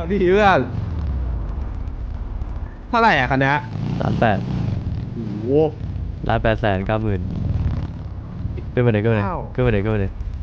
ดีเพื่อนเท่าไหร่อ่ะคันนี้ 1,800,000 โอ้โห 1,890,000ขึ้นมาเลยขึ้นมาเลยว้าวขึ้นมาเลยขึ้นมาเลย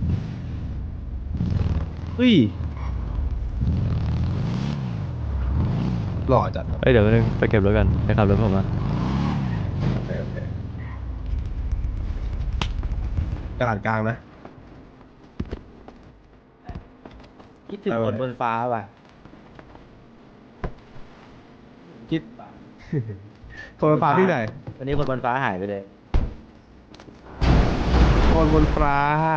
เฮ้ยหล่อจัดเอ้ยเดี๋ยวแป๊บนึงไปเก็บรถกันไปขับรถผมมาโอเคโอเคตลาดกลางนะคิดถึงคนบนฟ้าว่ะคิด โทรฟ้าที่ไหนวันนี้คนบนฟ้าหายไปเลยคนบนฟ้า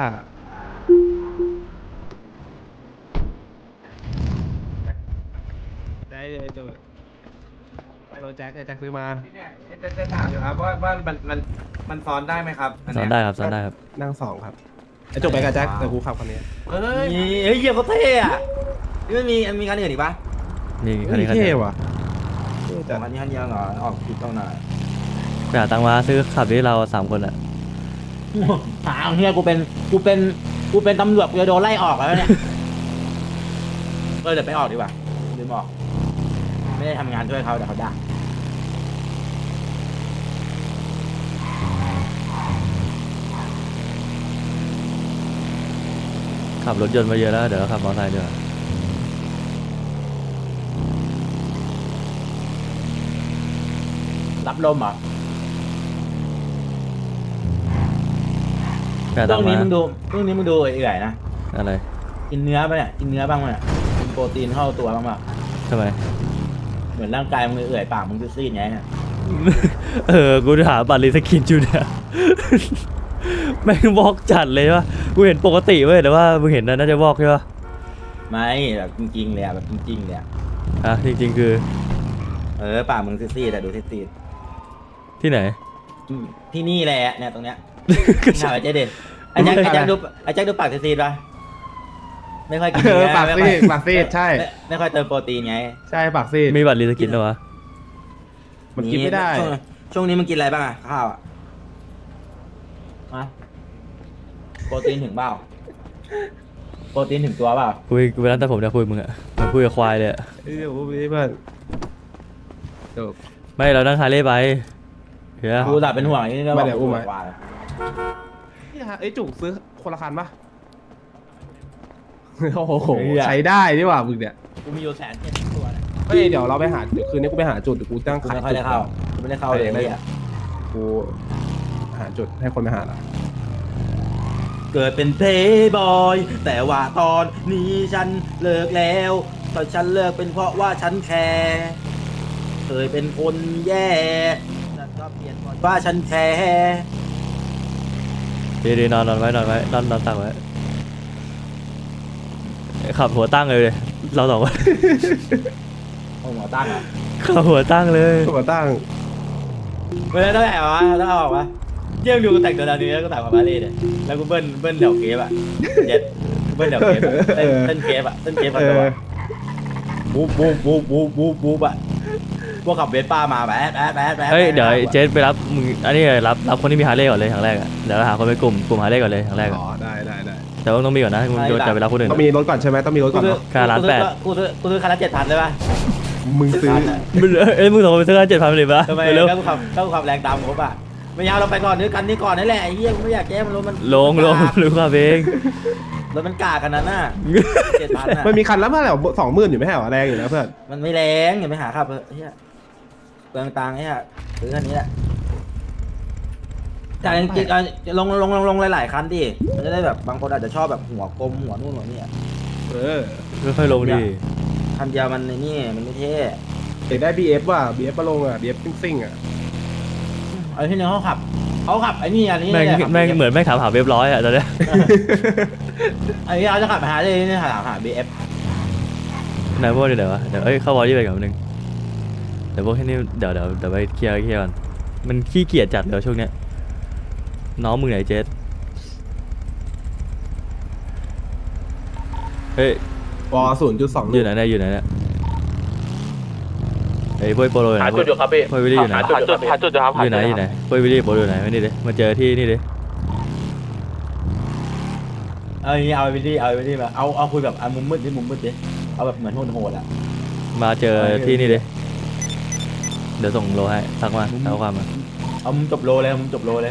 ได้เลยจูไปโรถแจ็คแจ็คซื้อมาจะถามอยู่ครับว่ามันซ้อนได้ไหมครับซ้อนได้ครับซ้อนได้ครับนั่งสองครับไอ้จบไปกับแจ็คแต่กูขับคันนี้เฮ้ยเฮ้ยเยี่ยมเขาเท่อะนี่มันมีคันอื่นอีกปะนี่คันนี้คันเท่เดียวว่ะเท่สจัอดงคันนี้คันเดียวเหรอออกผิดตรงไหนไปหาตังค์มาซื้อขับที่เรา3 คนอ่ะหาเฮียกูเป็นตำรวจกูจะโดนไล่ออกแล้วเนี่ย เดี๋ยวไปออกดีกว่าลืมออก ไม่ได้ทำงานช่วยเขาเดี๋ยวเขาด่าขับรถยนต์มาเยอะแล้วเดี๋ยวเราขับมอเตอร์ไซค์ดีกว่ารับลมเหรอไปหาช่ตัวงงค์นี้มามึงดูเอื่อยๆนะอะไรกินเนื้อปะเนี่ย กินเนื้อบ้างปะเนี่ยกินโปรตีนเข้าตัวบ้างปะทำไมเหมือนร่างกายมึงเอื่อยปากมึงซีดๆไงเนี่ยกูจะหาบัตรรีสกินจูเนี่ย แม่งบอกจัดเลยว่ะกูเห็นปกติเว้ยแต่ว่ามึงเห็นนะน่าจะบอกใช่ปะไม่แบบจริงๆเลยอะแบบจริงๆเลยอะอ่ะจริงๆคือปากมึงซีดๆแต่ดูซีดที่ไหนๆที่นี่แหละเนี่ยตรงเนี้ยถามไอ้เจ๊เด็ดไอ้แจ็คดูปากซีดๆป่ะไม่ค่อยกินเอเนื้อปากไม่ซีค่อยดปากซีดใช่ไม่ค่อยเติมโปรตีนไงใช่ปากซีดมีบัตรรีสกินเหรอวะมันกินไม่ได้ช่วงนี้มึงกินอะไรบ้างอะข้าวอะฮะโปรตีนถึงเปล่าโปรตีนถึงตัวเปล่ากูไปร้านตัดผมเนี่ยคุยกับมึงอะเหมือนคุยกับควายเลยอะเดี๋ยวกูไปเพื่อนจบไม่เรานั่งฮาร์เลย์ไปเฮียกูตัดเป็นห่วงไอ้นี่ก็ไม่ได้อุ้มไว้ว่านี่ฮะไอ้จุกซื้อคนละคันปะโอ้โหใช้ได้นี่หว่ามึงเนี่ยกูมีอยู่170,000ตัวเนี่ยเฮ้ยเดี๋ยวเราไปหาเดี๋ยวคืนนี้กูไปหาจุดเดี๋ยวกูตั้งกูขายไม่ค่อยได้เข้ากูไม่ได้เข้าเลยเนี่ยกูหาจุดให้คนไปหาละเกิดเป็นเพลย์บอยแต่ว่าตอนนี้ฉันเลิกแล้วตอนฉันเลิกเป็นเพราะว่าฉันแคร์เคยเป็นคนแย่ฉันก็เปลี่ยนว่าฉันแคร์ดีๆนอนไว้นอนตั้งไว้ขับหัวตั้งเลยเราสองคนโอ้หมอตั้งอ่ะขับหัวตั้งเลยตัวตั้งไม่ได้ต้องแอบวะต้องเอาออกวะเยี่ยมดูกูแต่งตัวดาวนี้แล้วก็แต่งมาบาเล่เนี่ยแล้วกูเบิ้ลเดี่ยวเกฟอ่ะเย็ดกูเบิ้ลเดี่ยวเกฟอะเต้นเกฟอ่ะเต้นเกฟอ่ะตัวบูบอ่ะพวกขับเวสป้ามาแบ๊ดเฮ้ยเดี๋ยวเจสไปรับมึงอันนี้รับคนที่มีฮาร์เลย์ก่อนเลยอย่างแรกอะเดี๋ยวเราหาคนไปกลุ่มฮาร์เลย์ก่อนเลยอย่างแรกอะอ๋อได้แต่ว่าต้องมีก่อนนะมึงจะไปรับคนอื่นต้องมีรถก่อนใช่ไหมต้องมีรถก่อนเนอะค่าล้านแปดกูซื้อคันละ7,000เลยป่ะมึงซื้อมึงส่งไปซื้อกัน7,000เลยปะทำไมเร็วต้องขับแรงตามครบอ่ะไม่เอาเราไปก่อนด้วยกันนี่ก่อนนี่แหละไอ้เหี้ยกูไม่อยากแก้มันรถมันลงหรือขับเองรถมันกากันนั้นน่ะ7,000อ่ะมันมีคันละเท่าไหร่20,000อยู่ไม่ใช่เหรอแรงอยู่นะเพื่อนมันไม่แรงอย่าไปหาขับเฮียเปลืองตังค์ไอ้เหี้ยซื้อคันนี้แหละแต่จริงๆลงหลายๆคันดิมันจะได้แบบบางคนอาจจะชอบแบบหัวกลมหัวนู่นหัวนี่เออค่อยๆลงดิคันเดียวมันในนี่มันไม่เท่เด็กได้ BF ว่ะ BF มาลงอ่ะ BF ซิ่งๆอ่ะไอ้ที่นึงเขาขับไอ้นี่อันนี้แม่งเหมือนแม่งถามหาเว็บร้อยอะตอนเนี้ยไอ้ที่เราจะขับไปหาเลยนี่หา BF นายพวกนี่เดี๋ยววะเดี๋ยวเข้าวอลยี่ไปกับนึงเดี๋ยวพวกแค่นี้เดี๋ยวไปเคลียร์ก่อนมันขี้เกียจจัดเลยช่วงเนี้ยน้องมึงไหนเจสเฮ้ยว 0.2 อยู่ไหนเนี่ยไอ้พวกโปโลหาจุดอยู่ครับพี่พวกวิลลี่อยู่ไหนหาจุดอยู่ครับอยู่ไหนพวกวิลลี่โปโลอยู่ไหนมานี่ดิมาเจอที่นี่ดิเอาไปดิมาเอาคุยแบบมุมมืดดิเอาแบบเหมือนโหดๆอ่ะมาเจอที่นี่ดิเดี๋ยวส่งโลให้ทักมาเอาความมาเอามึงจบโลเลยมึงจบโลเลย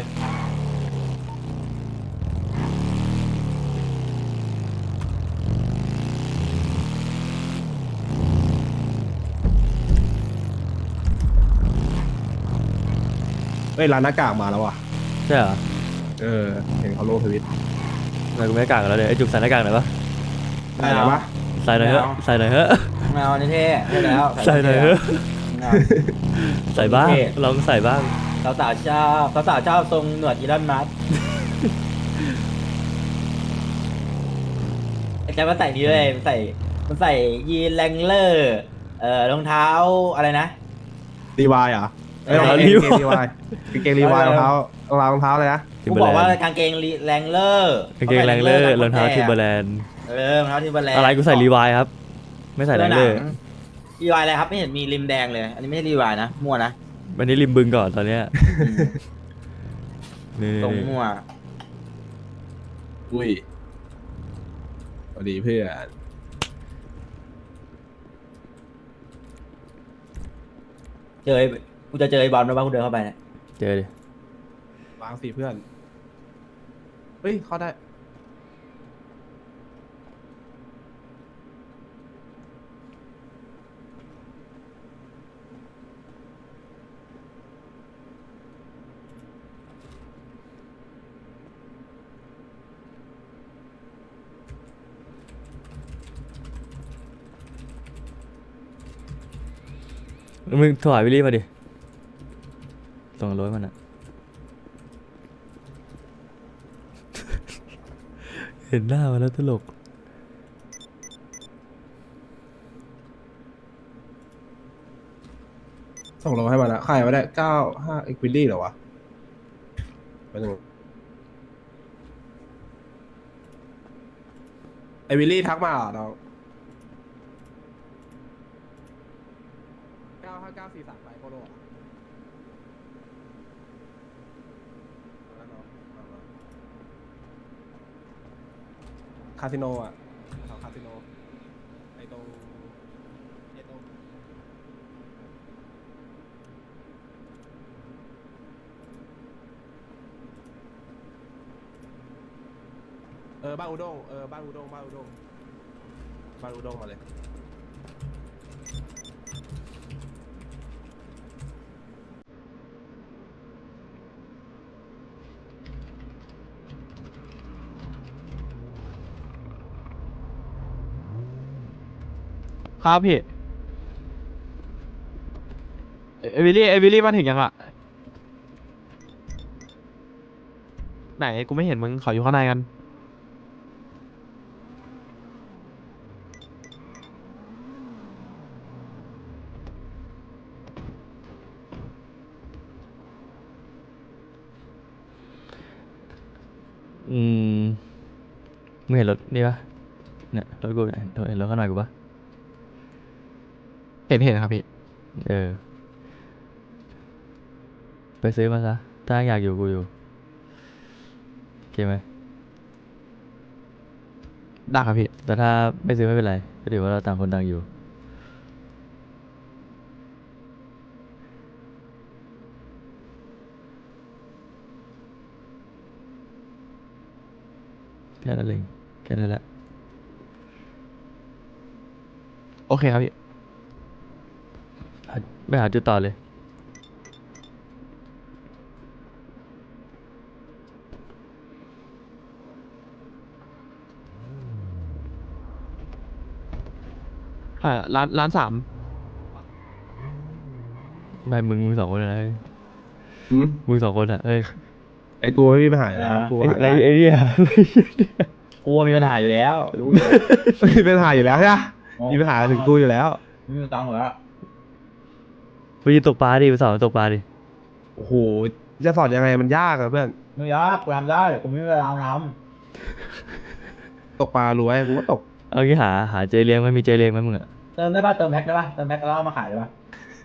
เฮ้ยร้านหน้ากากมาแล้วว่ะใช่เหรอเออเห็นเขาลงทวิตทำไมกูไม่กล้ากันแล้วเนี่ยไอ้จุกใส่หน้ากากหน่อยปะได้แล้วปะใส่หน่อยเถอะใส่หน่อยเถอะไม่เอานี่เท่ได้แล้วใส่หน่อยเถอะไม่เอาใส่บ้างลองใส่บ้างสาวๆชอบสาวๆทรงหนวดอีลอนมัสก์ไอ้แกมันใส่นี้เลยมันใส่ยีนแรงเลอร์รองเท้าอะไรนะรีวายเหรอเออกางเกงรีวายกางเกงรีวายรองเท้ารองเท้าเลยนะกูบอกว่ากางเกงแรงเลอร์กางเกงแรงเลอร์รองเท้าทิมเบอร์แลนด์รองเท้าทิมเบอร์แลนด์อะไรกูใส่รีวายครับ ไม่ใส่แรงเลอร์รีวายอะไรครับไม่เห็นมีริมแดงเลย อันนี้ไม่ใช่รีวายนะมั่วนะวันนี้ริมบึงก่อนตอนเนี้ยนี่ตรงมั่วอุ้ยสวัสดีเพื่อนกูจะเจอไอ้บอลนะว่ากูเดินเข้าไปเนี่ยเจอดิวางสิเพื่อนเฮ้ยเข้าได้มึงถวายวิลลี่มาดิส่งรถมันอะเห็นหน้ามาแล้วตลกส่งโลให้มันนะใครมาได้95 เอ็กวิลลี่เหรอวะไปหนึ่งไอวิลลี่ทักมาเหรอน้อง95943ไปโคโลคาสิโนอ่ะแถวคาสิโนไอตรงบ้านอุด้งบ้านอุด้งมาเลยครับพี่เอวิลี่มาถึงยังอ่ะไหนกูไม่เห็นมึงขออยู่ข้างในกันมึงเห็นรถนี่ปะเนี่ยรถกูเนี่ยเห็นรถข้างหน้ากูปะเห็นครับพี่ไปซื้อมาซะถ้าอยากอยู่กูอยู่โอเคไหมได้ครับพี่แต่ถ้าไม่ซื้อไม่เป็นไรก็ถือว่าเราต่างคนต่างอยู่แค่นั้นเองแค่นั้นแหละโอเคครับพี่ไปหาจุดต่อเลยร้าน3 ไม่มึงสองคนนะเฮ้ยหืมมึงสองคนอ่ะเอ้ยไอกูไม่มีปัญหาอยู่แล้วกูหาไอ้เนี่ยกูมีปัญหาอยู่แล้วรู้มีปัญหาอยู่แล้วใช่ไหมมีปัญหาถึงกูอยู่แล้วไม่มีตังค์เหรอไปยืนตกปลาดิไปสอนตกปลาดิโอ้โหจะสอนยังไงมันยากอะเพื่อนไม่ยากกูทำได้กูไม่มีเวลาทตกปลารู้ไว้กูก็ตกเอางี้หาเจเลี้ยงไหมมีเจเลี้ยงไหมมึงอ่ะำเติมได้ป่ะเติมแพ็คได้ป่ะเติมแพ็คแล้วเอามาขายได้ป่ะ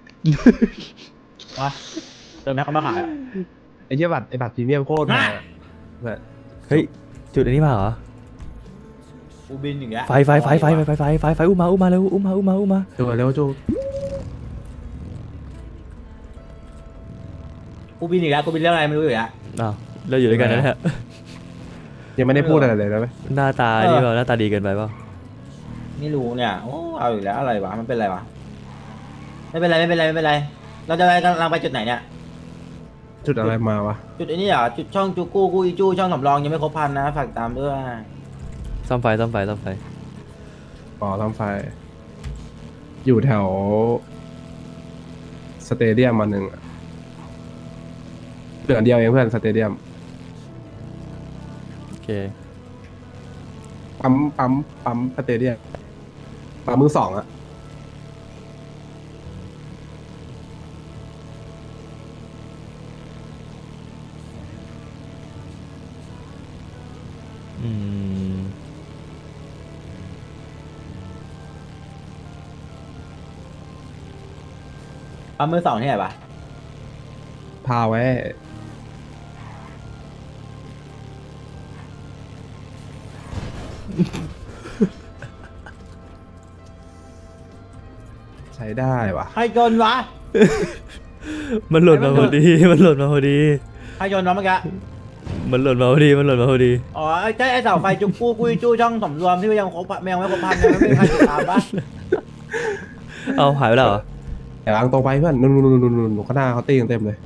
วะเติมแพ็คเอามาขายอะไอ้เหี้ยบัตรพรีเมียมโคตรแพงอะเพื่อนเฮ้ยจุดอันนี้มาเหรอกูบินอย่างเงี้ยไฟอุ้มมาเร็วอุ้มมาจูเร็วจูกูบินอีกแล้วกูบินเรื่องอะไรไม่รู้อยู่แล้วอ้าวเราอยู่ด้วยกันนะฮะยังไม่ได้พูดอะไรเลยนะไหมหน้าตานี่เปล่าหน้าตาดีเกินไปเปล่าไม่รู้เนี่ยโอ้เอาอีกแล้วอะไรวะมันเป็นอะไรวะไม่เป็นไรเราจะไปกำลังไปจุดไหนเนี่ยจุดอะไรมาวะจุดไอ้นี่เหรอจุดช่องจูกู้กูอีจูช่องสำรองยังไม่ครบพันนะฝากตามด้วยซ่อมไฟอ๋อทำไฟ อยู่แถวสเตเดียมมาหนึ่งอะเหลืออันเดียวเองเพื่อนสเตเดียมโอเคปั๊มสเตเดียมปั๊มมือสองอะอืมปั๊มมือสองที่ไหนปะพาไว้ ใช้ได้วะใครจนวะมันหล่นมาพอดีใครจนวะเมื่อกี้มันหล่นมาพอดีอ๋อใช่ไอ้เสาไฟจูกู้กูอีจูช่องสำรวมที่ยังครบยังไม่ครบพันยังไม่มีใครติดตามปะเอาหายไปแล้วเหรอแต่วางตรงไปเพื่อนนู่นข้างหน้าเขาตีกันเต็มเลย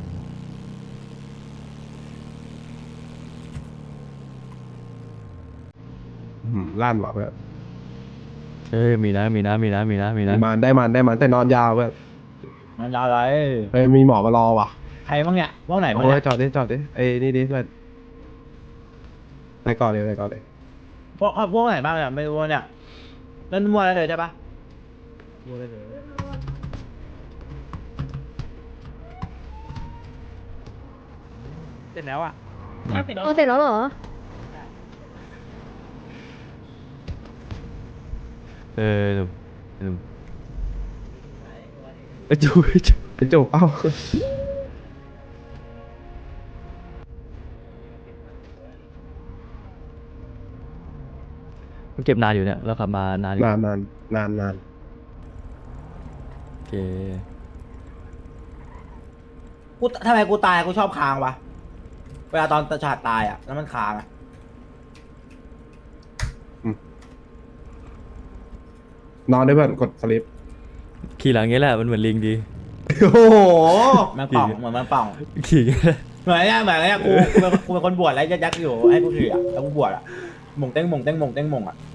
ลั่นว่ะเพื่อนเอ้ยมีนะมันได้มันแต่นอนยาวเพื่อนมันยาวอะไรเฮ้ยมีหมอมารอว่ะใครบ้างเนี่ยบ้างไหนบ้างโอ้เนี่ย ยจอดดิไอ้นี่ดิเพื่อนไปก่อนเลยพวกไหนบ้างเนี่ยไม่รู้เนี่ยเล่นมัวอะไรเลยใช่ปะเสร็จแล้วอ่ะเสร็จแล้วเหรอหนุ่มจูไปจบเอ้ามันเก็บนานอยู่เนี่ยเราขับมานานอยู่นานโอเคกูทำไมกูตายกูชอบค้างวะเวลาตอนตะฉาดตายอ่ะแล้วมันค้างอ่ะนอนด้วยเพื่อนกดสลิปขี่หลังเงี้ยแหละมันเหมือนลิงดีโอ้โหมันป่องเหมือนมันป่องขี่อย่างเงี้ยแหละเหมือนเนี่ยกูเป็นคนบวชแล้วยักษ์อยู่ให้กูถืออ่ะแล้วกูบวชอ่ะหม่งเต้งหม่งอ่ะ